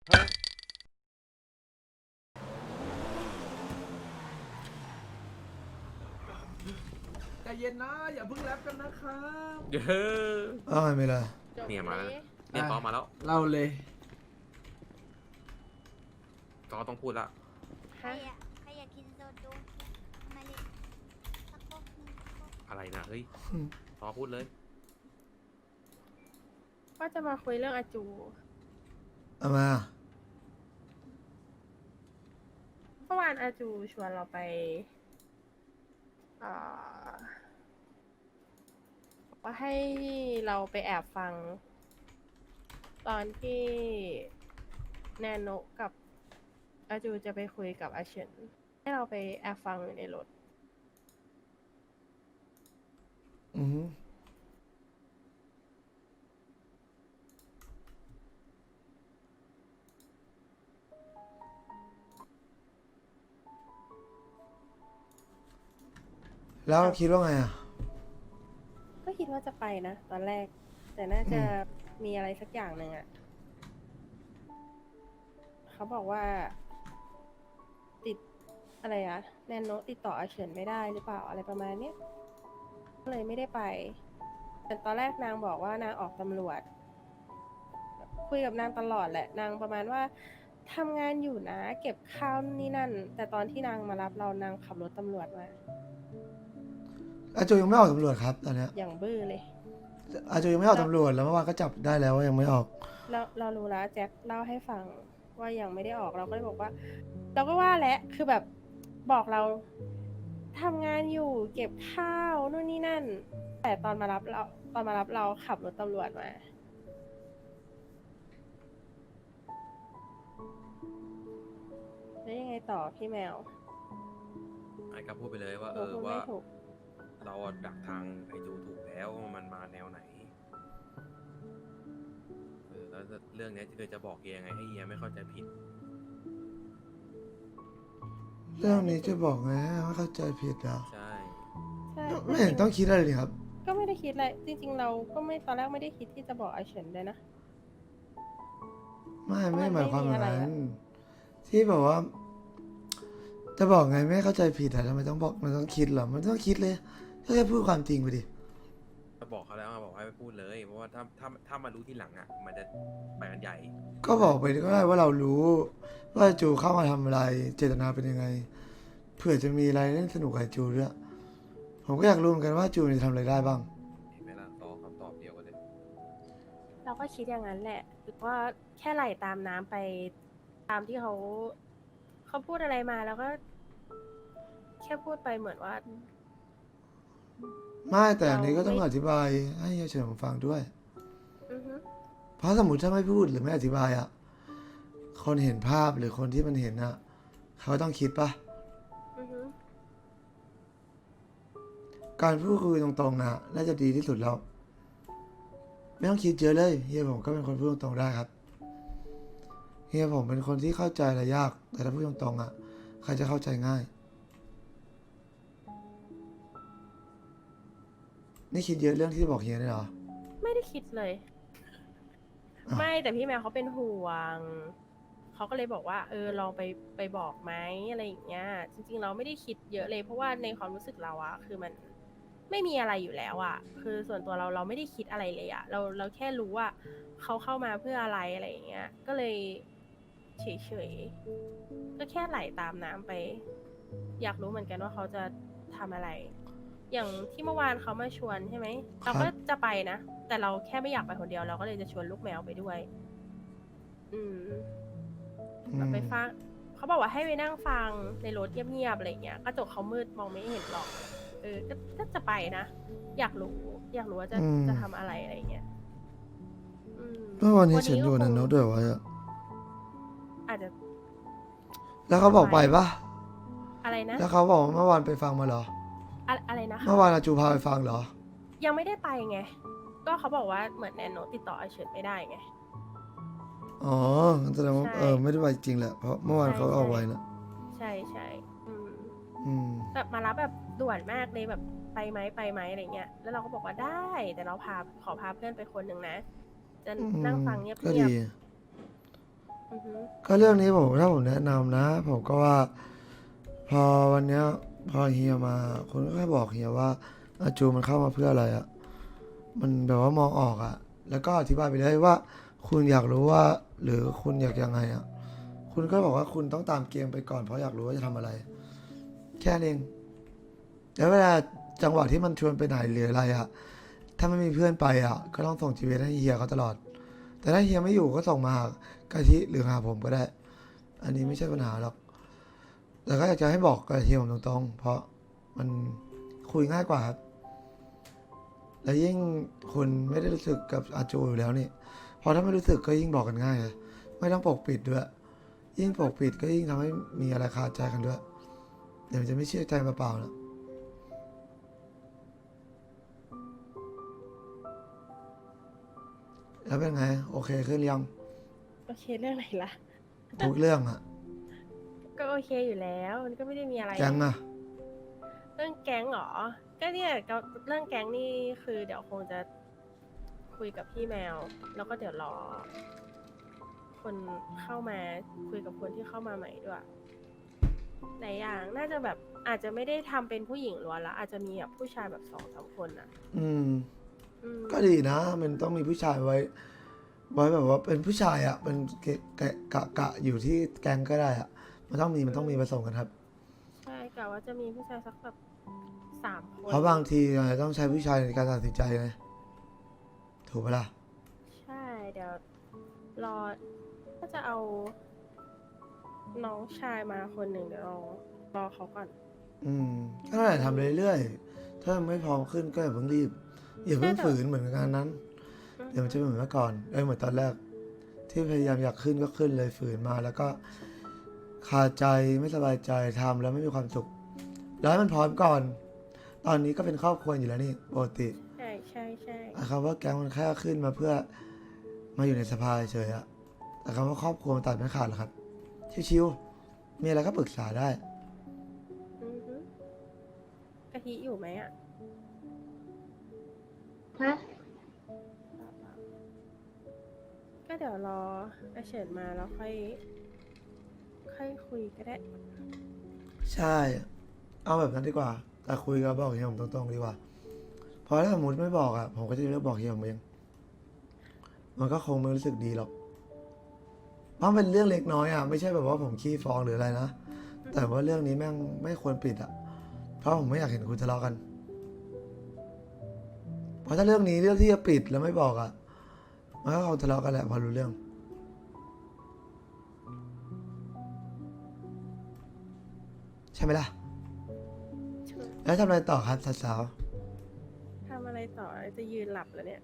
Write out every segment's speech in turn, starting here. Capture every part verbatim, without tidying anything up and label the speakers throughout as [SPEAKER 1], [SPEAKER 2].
[SPEAKER 1] ฮะ
[SPEAKER 2] ใจเย็นนะอย่าเพิ่งแรปกันนะครับ
[SPEAKER 1] เยอะ
[SPEAKER 3] อ้าวไม่เลย
[SPEAKER 4] จบ
[SPEAKER 1] เนี่ยมาแล้ว
[SPEAKER 4] เลย
[SPEAKER 1] เนี่ยตอมาแล้ว
[SPEAKER 2] เล่าเลย
[SPEAKER 1] ตอต้องพูดละ
[SPEAKER 5] ใคร
[SPEAKER 4] ฮะ
[SPEAKER 5] อะใครอยากกินโซจูมาเลยสักพวกหนึงสักพวก
[SPEAKER 1] อะไรนะเฮ้ยตอพูดเลย
[SPEAKER 4] ก็จะมาคุยเรื่องอาจู
[SPEAKER 3] เอามา
[SPEAKER 4] เมื่อวานอาจูชวนเราไปอ่าบอกว่าให้เราไปแอบฟัง ตอนที่แนนโนะกับอาจูจะไปคุยกับอาเฉินให้เราไปแอบฟังอยู่ในรถ
[SPEAKER 3] อือหือแล้วคิดว่าไงอ่ะ
[SPEAKER 4] ก็คิดว่าจะไปนะ ตอนแรก แต่น่าจะ
[SPEAKER 3] อื
[SPEAKER 4] มีอะไรสักอย่างหนึ่งอะเขาบอกว่า ติดอะไรอะแนนโนะติดต่ออาเฉินไม่ได้หรือเปล่าอะไรประมาณเนี้ยก็เลยไม่ได้ไป แต่ตอนแรกนางบอกว่านางออกตำรวจ คุยกับนางตลอดแหละ นางประมาณว่าทำงานอยู่นะ เก็บข้าวนี่นั่น แต่ตอนที่นางมารับเรานางขับรถตำรวจมา
[SPEAKER 3] อาจูยังไม่ออกตำรวจครับตอนเนี้ย
[SPEAKER 4] อย่างบื้อเลย
[SPEAKER 3] อาจูยังไม่ออกตำรวจแล้วเมื่อวานก็จับได้แล้วว่ายังไม่ออก
[SPEAKER 4] เราเรารู้แล้วแจ็คเล่าให้ฟังว่ายังไม่ได้ออกเราก็เลยบอกว่า เราก็ว่าแหละคือแบบบอกเราทำงานอยู่เก็บข้าวนู่นนี่นั่น แต่ตอนมารับเราตอนมารับเราขับรถตำรวจมาแล้วยังไงต่อพี่แมว
[SPEAKER 1] ไอ้ก็พูดไปเลยว่า
[SPEAKER 4] ห
[SPEAKER 1] เอ
[SPEAKER 4] นู
[SPEAKER 1] อ
[SPEAKER 4] พูด
[SPEAKER 1] ว่า
[SPEAKER 4] ไม่ถูก
[SPEAKER 1] เราอะดักทางไอจูถูกแล้วว่ามันมาแนวไหนเออแล้วเรื่องเนี้ยเธอจะบอกเฮียยังไงให้เฮียไม่เข้าใจผิด
[SPEAKER 3] เรื่องนี้จะบอกไงว่าเข้าใจผิดอ่ะ
[SPEAKER 1] ใช่
[SPEAKER 4] ใช่
[SPEAKER 3] ไม่เห็นต้องคิดอะไรเลยครับ
[SPEAKER 4] ก็ไม่ได้คิดอะไรจริง ๆ เราก็ไม่ตอนแรกไม่ได้คิดที่จะบอกไอเฉินเลยนะ
[SPEAKER 3] ไม่
[SPEAKER 4] ก็มัน
[SPEAKER 3] ไม่หมายความ
[SPEAKER 4] ไม่
[SPEAKER 3] แบ
[SPEAKER 4] มี
[SPEAKER 3] บ
[SPEAKER 4] อะไร
[SPEAKER 3] นั้
[SPEAKER 4] อะ
[SPEAKER 3] นที่บอกว่า จะบอกไงไม่เข้าใจผิดอะทำไมต้องบอกมันต้องคิดเหรอมันต้องคิดเลยก็แค่พูดความจริงไปดิ
[SPEAKER 1] ก็บอกเขาแล้วอะบอกให้ไปพูดเลย เพราะว่าถ้าถ้าถ้ามารู้ทีหลังอ่ะ มันจะไปกันใหญ่
[SPEAKER 3] ก็บอกไปก็ได้ว่าเรารู้ว่าจูเข้ามาทำอะไร เจตนาเป็นยังไงเผื่อจะมีอะไรเล่นสนุกกับจูด้วยผมก็อยากรู้เหมือนกันว่าจูจะทำอะไรได้บ้าง
[SPEAKER 1] เห็นไหมล่ะตอคำตอบเดียวกันเลย
[SPEAKER 4] เราก็คิดอย่างนั้นแหละหรือว่าแค่ไหลตามน้ำไปตามที่เขาเขาพูดอะไรมาแล้วก็ แค่พูดไปเหมือนว่า
[SPEAKER 3] ไม่แต่อันนี้ก็ต้อง
[SPEAKER 4] เราไม่
[SPEAKER 3] อธิบายให้เฉยผมฟังด้วย
[SPEAKER 4] อือฮึ
[SPEAKER 3] เพราะสมมติถ้าไม่พูดหรือไม่อธิบายอ่ะคนเห็นภาพหรือคนที่มันเห็นอ่ะเขาต้องคิดปะ
[SPEAKER 4] อือฮึ
[SPEAKER 3] การพูดคุยตรงๆนะน่าจะดีที่สุดแล้ว ไม่ต้องคิดเยอะเลยเฮียผมก็เป็นคนพูดตรงๆได้ครับเฮียผมเป็นคนที่เข้าใจอะไรยาก แต่ถ้าพูดตรงๆอ่ะใครจะเข้าใจง่าย นี่คิดเยอะเรื่องที่จะบอกเฮียได้เหรอ
[SPEAKER 4] ไม่ได้คิดเลย
[SPEAKER 3] อ้าว
[SPEAKER 4] ไม่แต่พี่แมวเขาเป็นห่วงเขาก็เลยบอกว่า เออลองไปไปบอกไหมอะไรอย่างเงี้ย จริงๆเราไม่ได้คิดเยอะเลย เพราะว่าในความรู้สึกเราอะคือมันไม่มีอะไรอยู่แล้วอะคือส่วนตัวเราเราไม่ได้คิดอะไรเลยอะเราเราแค่รู้ว่าเขาเข้ามาเพื่ออะไรอะไรอย่างเงี้ย ก็เลยเฉยๆก็แค่ไหลตามน้ำไป อยากรู้เหมือนกันว่าเขาจะทำอะไร อย่างที่เมื่อวานเขามาชวนใช่ไหมเราก็จะไปนะ แต่เราแค่ไม่อยากไปคนเดียวเราก็เลยจะชวนลูกแมวไปด้วย อืม
[SPEAKER 3] อื
[SPEAKER 4] แบบ
[SPEAKER 3] ม
[SPEAKER 4] ไปฟังเขาบอกว่าให้ไปนั่งฟังในรถเงียบๆอะไรเงี้ยกระจกเขามืดมองไม่เห็นหรอก เออก็ก็จะไปนะ อยากรู้ อยากรู้ว่าจะจะทำอะไรอะไรเงี้ยอืม
[SPEAKER 3] เมื่อวานนี้ฉันดู
[SPEAKER 4] ก็
[SPEAKER 3] นัน
[SPEAKER 4] คง
[SPEAKER 3] โน้ตด้วยวะ
[SPEAKER 4] อาจจะ
[SPEAKER 3] แล้วเขาบอกไปปะ
[SPEAKER 4] อะไรนะ
[SPEAKER 3] แล้วเขาบอกว่าเมื่อวานไปฟังมาเหรอ
[SPEAKER 4] อะอะไรนะคะ
[SPEAKER 3] เมื่อวานอาจูพาไปฟังเหรอ
[SPEAKER 4] ยังไม่ได้ไปไง ก็เขาบอกว่าเหมือนแนนโนติดต่ออาเฉินไม่ได้ไง
[SPEAKER 3] อ๋องั้นแสดงว่า
[SPEAKER 4] ใช่
[SPEAKER 3] เออไม่ได้ไปจริงแหละ เพราะเมื่อวาน
[SPEAKER 4] ใช่
[SPEAKER 3] เขาเอา
[SPEAKER 4] ใช่
[SPEAKER 3] ไว้นะ
[SPEAKER 4] ใช่ใช่อืม
[SPEAKER 3] อืม
[SPEAKER 4] แบบมารับแบบด่วนมากเลยแบบไปไหมไปไหมอะไรเงี้ย แล้วเราก็บอกว่าได้ แต่เราพาขอพาเพื่อนไปคนหนึ่งนะ จะ
[SPEAKER 3] อืม
[SPEAKER 4] นั่งฟังเงียบ
[SPEAKER 3] ก็
[SPEAKER 4] เงียบ
[SPEAKER 3] ดี
[SPEAKER 4] อือหือ
[SPEAKER 3] ก็เรื่องนี้ผมถ้าผมแนะนำนะ ผมก็ว่า พอวันเนี้ยพอเฮียมาคุณก็แค่บอกเฮียว่าอาจูมันเข้ามาเพื่ออะไรอะมันแบบว่ามองออกอะแล้วก็อธิบายไปเลยว่า คุณอยากรู้ว่า หรือคุณอยากยังไงอะคุณก็บอกว่าคุณต้องตามเกมไปก่อนเพราะอยากรู้ว่าจะทำอะไร แค่นั้นเองแล้วเวลาจังหวะที่มันชวนไปไหนหรืออะไรอะถ้าไม่มีเพื่อนไปอะก็ต้องส่งจีเวให้เฮียเขาตลอด แต่ถ้าเฮียไม่อยู่ก็ส่งมาหากะทิหรือหาผมก็ได้ อันนี้ไม่ใช่ปัญหาหรอก แต่ก็อยากจะให้บอกกับเฮียผมตรงๆ เพราะมันคุยง่ายกว่าครับ และยิ่งคุณไม่ได้รู้สึกกับอาจูอยู่แล้วนี่พอถ้าไม่รู้สึกก็ยิ่งบอกกันง่ายเลยไม่ต้องปกปิดด้วย ยิ่งปกปิดก็ยิ่งทำให้มีอะไรคาใจกันด้วย เดี๋ยวมันจะไม่เชื่อใจเปล่าๆนะแล้วเป็นไง โอเคขึ้นหรือยัง
[SPEAKER 4] โอเคเรื่องไหนล่ะ
[SPEAKER 3] ทุกเรื่องอะ
[SPEAKER 4] ก็โอเคอยู่แล้ว มันก็ไม่ได้มีอะไร
[SPEAKER 3] แก๊งอะ
[SPEAKER 4] เรื่องแก๊งเหรอ ก็เนี่ยก็เรื่องแก๊งนี่คือเดี๋ยวคงจะคุยกับพี่แมว แล้วก็เดี๋ยวรอ คนเข้ามาคุยกับคนที่เข้ามาใหม่ด้วยหลายอย่างน่าจะแบบอาจจะไม่ได้ทำเป็นผู้หญิงล้วนละอาจจะมีแบบผู้ชายแบบสองสามคนอ่ะ
[SPEAKER 3] อืม
[SPEAKER 4] อืม
[SPEAKER 3] ก็ดีนะ มันต้องมีผู้ชายไว้ ไว้แบบว่าเป็นผู้ชายอะเป็นเกะกะกะกะอยู่ที่แก๊งก็ได้อะมันต้องมีมันต้องมีผสมกันครับ
[SPEAKER 4] ใช่กะว่าจะมีผู้ชายสักแบบสามคน
[SPEAKER 3] เพราะบางทีอาจจะต้องใช้ผู้ชายในการตัดสินใจไงถูกปะล่ะ
[SPEAKER 4] ใช่เดี๋ยวรอก็จะเอา น้องชายมาคนหนึ่งเดี๋ยวรอรอเขาก่อน
[SPEAKER 3] อืมก็ได้ทำเรื่อยๆ ถ้าไม่พร้อมขึ้นก็อย่าเพิ่งรีบ อย่าเพิ่งฝืนเหมือนงานนั้น เดี๋ยวมันจะไม่เหมือนเมื่อก่อนเอ้ยเหมือนตอนแรก ที่พยายามอยากขึ้นก็ขึ้นเลยฝืนมา แล้วก็คาใจไม่สบายใจทำแล้วไม่มีความสุข แล้วให้มันพร้อมก่อน ตอนนี้ก็เป็นครอบครัวอยู่แล้วนี่ปกติ
[SPEAKER 4] ใช่ใช่ใช่
[SPEAKER 3] แต่คำว่าแก๊งมันแค่ขึ้นมาเพื่อมาอยู่ในสภาเฉยๆอะแต่คำว่าครอบครัวมันตัดไม่ขาดหรอกครับ ชิวๆ มีอะไรก็ปรึกษาได้
[SPEAKER 4] อือฮึกะทิอยู่ไหมอ่ะ
[SPEAKER 5] ฮะ
[SPEAKER 4] ก็เดี๋ยวรออาเฉินมาแล้วค่อย ค่อยคุยก็ได้
[SPEAKER 3] ใช่ เอาแบบนั้นดีกว่า แต่คุยกับบอกเฮียผมตรงๆดีกว่า เพราะถ้าสมมติไม่บอกอ่ะ ผมก็จะเลือกบอกเฮียผมเอง มันก็คงไม่รู้สึกดีหรอก เพราะมันเป็นเรื่องเล็กน้อยอ่ะ ไม่ใช่แบบว่าผมขี้ฟ้องหรืออะไรนะ แต่ว่าเรื่องนี้แม่งไม่ควรปิดอ่ะ เพราะผมไม่อยากเห็นคุณทะเลาะกัน เพราะถ้าเรื่องนี้เรื่องที่จะปิดแล้วไม่บอกอ่ะ มันก็คงทะเลาะกันแหละพอรู้เรื่อง ใช่ไหมล่ะ แล้วทำอะไรต่อครับสาว
[SPEAKER 4] ทำอะไรต่อจะยืนหลับแล้วเนี่ย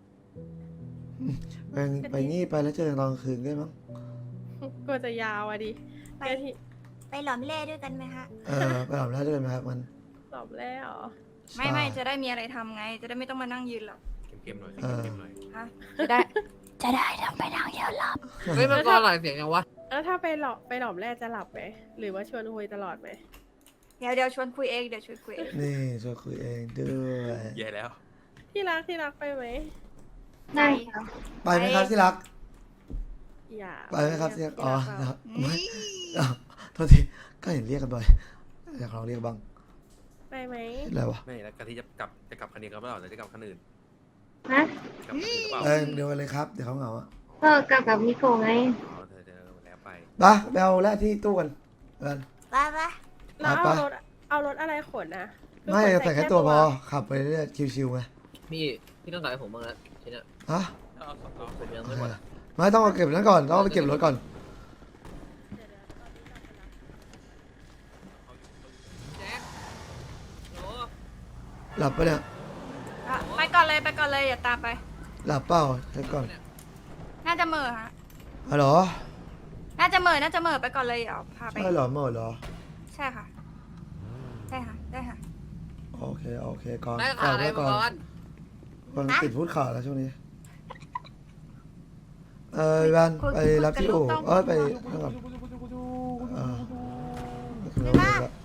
[SPEAKER 3] ๆไปไปงี้ไปแล้วเจอกันตอนกลางคืนได้มั้ง
[SPEAKER 4] กลัวจะยาวอ่ะดิ
[SPEAKER 5] ไป
[SPEAKER 4] กะทิ
[SPEAKER 5] ไปหลอมเล่ด้วยกันไหมคะ
[SPEAKER 3] เออไปหลับแล้วด้วยไหมครับมัน
[SPEAKER 4] ตอบแล้วเหรอ
[SPEAKER 6] ไม่ไม่
[SPEAKER 3] ใช่
[SPEAKER 6] จะได้มีอะไรทำไง จะได้ไม่ต้องมานั่งยืนหรอก
[SPEAKER 1] เกมๆหน่อย
[SPEAKER 3] เออ
[SPEAKER 1] เกมๆหน่อย
[SPEAKER 6] ฮะจะได้
[SPEAKER 5] จะได้ทำไปทางเดียวหลับ
[SPEAKER 7] เฮ้ยมันก็หลายเสียงยังวะ
[SPEAKER 4] แล้วถ้าไปหลอบไปหลอมแรกจะหลับไหม หรือว่าชวนคุยตลอดไหม
[SPEAKER 6] เดี๋ยวเดี๋ยวชวนคุยเองเดี๋ยวชวนคุยเอง
[SPEAKER 3] นี่ช่วยคุยเองด้วย
[SPEAKER 1] แย่แล้ว
[SPEAKER 4] ที่รักที่รักไปไหม
[SPEAKER 5] ได้ค่ะ
[SPEAKER 3] ไปไหมครับที่รัก
[SPEAKER 4] อย่า
[SPEAKER 3] ไปไหมครับที่รักอ๋อ
[SPEAKER 4] ที่
[SPEAKER 3] นะค
[SPEAKER 4] รั
[SPEAKER 3] รั
[SPEAKER 4] ก
[SPEAKER 3] บไม่อ้าวโทษทีก็เห็นเรียกกันบ่อยอยากลองเรียกบ้าง
[SPEAKER 4] ไปไหม
[SPEAKER 3] อะไรวะ
[SPEAKER 1] ไม่แล้วกะทิจะกลับจะกลับคันนี้กันหรือเปล่าหรือจะกลับคันอื่น
[SPEAKER 5] ฮะ
[SPEAKER 1] กลับคันอื่นหรือเปล่า
[SPEAKER 3] เออเดี๋ยวกันเลยครับเดี๋ยวเขาเหงาอ่ะ
[SPEAKER 5] ก็กลับกับมิโกะไง
[SPEAKER 1] อ๋อเธอเธอแล้วไป
[SPEAKER 3] ไปไปเอาแรกที่ตู้กันเอิน
[SPEAKER 5] ไปไป
[SPEAKER 4] แล้ว
[SPEAKER 3] ไป
[SPEAKER 4] เอารถเอารถอะไรขนนะคือ
[SPEAKER 3] ไม่
[SPEAKER 4] ขน
[SPEAKER 3] ใส่แค่ตัวพอขับไปเรื่อยๆชิวๆไง
[SPEAKER 7] พี่พี่ต้องใส่ให้ผมบ้างนะทีเนี้ย
[SPEAKER 3] ฮะ
[SPEAKER 1] เอาสองรอบ
[SPEAKER 7] ผมยัง
[SPEAKER 3] โอ
[SPEAKER 7] ไม่
[SPEAKER 3] เค
[SPEAKER 7] หมดอะ
[SPEAKER 3] ไม่ต้องเอาเก็บนั้นก่อนต้องเอาไปเก็บรถก่อน
[SPEAKER 7] แจ็คโหล
[SPEAKER 3] หลับปะเนี่ย
[SPEAKER 6] อ่ะไปก่อนเลยไปก่อนเลยอย่าตามไป
[SPEAKER 3] หลับเปล่าเช็คก่อน
[SPEAKER 6] น่าจะเหม่อฮะ
[SPEAKER 3] ฮัลโหล
[SPEAKER 6] น่าจะเหม่อน่าจะเหม่อไปก่อนเลยเดี๋ยวพาไป
[SPEAKER 3] ใช่เหรอหมดเหรอ
[SPEAKER 6] ใช่ค่ะใช่ค่ะได้ค่ะ
[SPEAKER 3] โอเคโอเคก่อน
[SPEAKER 7] ได้
[SPEAKER 3] ก่
[SPEAKER 7] ขา
[SPEAKER 3] อน
[SPEAKER 7] อะไร
[SPEAKER 3] ไว้
[SPEAKER 7] มา
[SPEAKER 3] ก่อน
[SPEAKER 7] ก่อน
[SPEAKER 3] มันติดพูดข่าวแล้วช่วงนี้ เออวัน
[SPEAKER 6] คุย
[SPEAKER 3] ไป
[SPEAKER 6] คุย
[SPEAKER 3] รับที่
[SPEAKER 6] กับลู
[SPEAKER 3] อู่
[SPEAKER 6] กต้อง
[SPEAKER 3] เออไปนั่นก่อนเออถึงแล้วถึงแล้ว